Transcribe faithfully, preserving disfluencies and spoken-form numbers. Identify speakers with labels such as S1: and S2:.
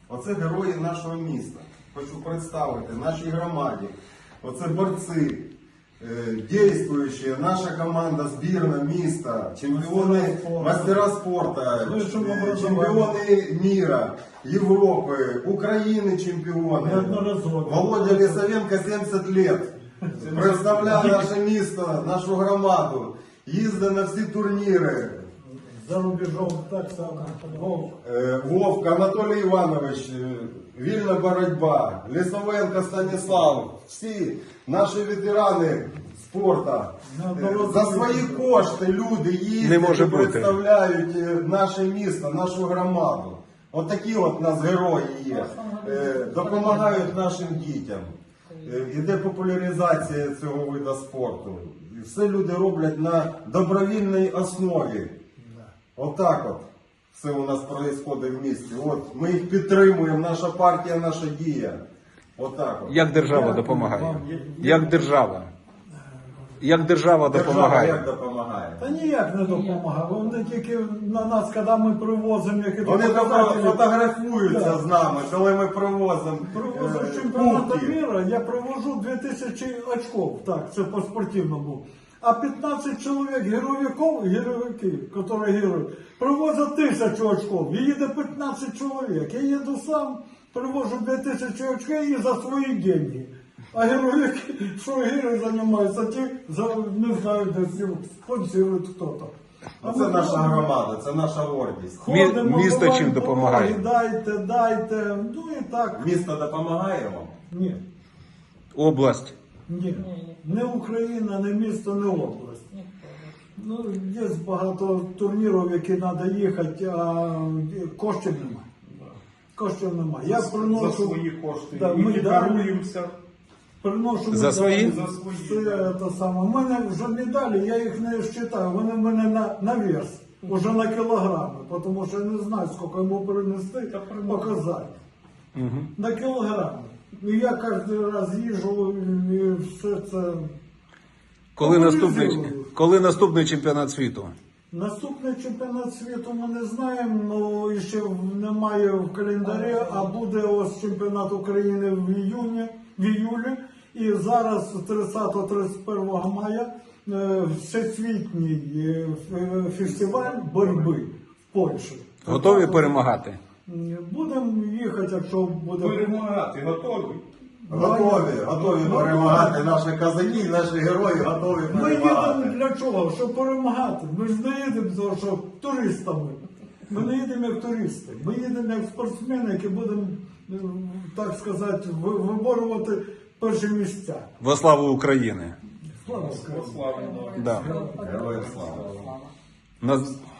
S1: Оце герої нашого міста. Хочу представити нашій громаді. Оце борці, е, дійствуючі, наша команда, збірна міста, чемпіони, мастера спорту, чемпіони міра, Європи, України чемпіони. Володя Лісовенко сімдесят лет. Представляє наше місто, нашу громаду. Їздить на всі турніри.
S2: За рубежом так само. Вовк.
S1: Вовк, Анатолій Іванович, вільна боротьба, Лісовенко Станіслав, всі наші ветерани спорту. За свої кошти люди їздять і представляють наше місто, нашу громаду. От такі от у нас герої є. Допомагають нашим дітям. Іде популяризація цього виду спорту. І все люди роблять на добровільній основі. Отак от все у нас відбувається в місті. От ми їх підтримуємо, наша партія, наша дія. Отак от.
S3: Як держава допомагає? Як держава? Як держава допомагає?
S1: Держава як допомагає?
S2: Та ніяк не допомагає. Вони тільки на нас, коли ми привозимо якісь
S1: Вони
S2: показателі,
S1: фотографуються
S2: Да.
S1: з нами, коли ми привозимо
S2: Привозив
S1: е,
S2: чемпіонату
S1: кубки.
S2: мира, я привожу дві тисячі очков, так, це по спортивному. А п'ятнадцять чоловік героїків, героїків, які героїть, привозять тисячу очков. І їде п'ятнадцять чоловік. Я їду сам, привожу дві тисячі очків і за свої гроші. А героїки, що герої займаються, ті, за, не знаю, де спонсорують хто-то.
S1: А це наша громада, це наша гордість.
S2: Ходимо,
S3: Місто
S2: бувають
S3: чим допомагає?
S2: дороги, Дайте, дайте, ну і так.
S1: Місто допомагає вам?
S2: Ні.
S3: Область.
S2: Ні, не Україна, не місто, не область. Ну, є багато турнірів, які треба їхати, а коштів немає. Коштів немає. Я приношу,
S4: За свої кошти.
S2: Да,
S4: І
S2: ми
S4: даруємося.
S2: приношу
S3: За
S2: медалі,
S3: свої?
S4: За свої,
S2: Все те саме. У мене вже медалі, я їх не вважаю, вони в мене на, на вес, вже на кілограми, тому що я не знаю, скільки йому принести, показати.
S3: Угу.
S2: На кілограми. І я кожен раз їжджу і все це.
S3: Коли наступний,
S2: Популяризую.
S3: коли наступний чемпіонат світу?
S2: Наступний чемпіонат світу ми не знаємо, але ще немає в календарі, а буде ось чемпіонат України в іюні, в іюлі. І зараз тридцятого тридцять першого мая е, всесвітній е, ф- фестиваль боротьби в Польщі.
S3: Готові перемагати?
S2: Будемо їхати, якщо буде.
S4: Перемагати готові.
S1: Готові, готові перемагати. Наші козаки, наші герої готові
S2: Ми їдемо
S1: перемагати.
S2: для чого? Щоб перемагати. Ми ж не їдемо, тому що туристами. Ми не їдемо як туристи. Ми їдемо як спортсмени, які будемо, е, так сказати, ви- виборювати перші місця.
S3: Во славу України.
S2: Слава Україні!
S4: Славно.
S3: Да.
S1: Героям слава.
S3: На,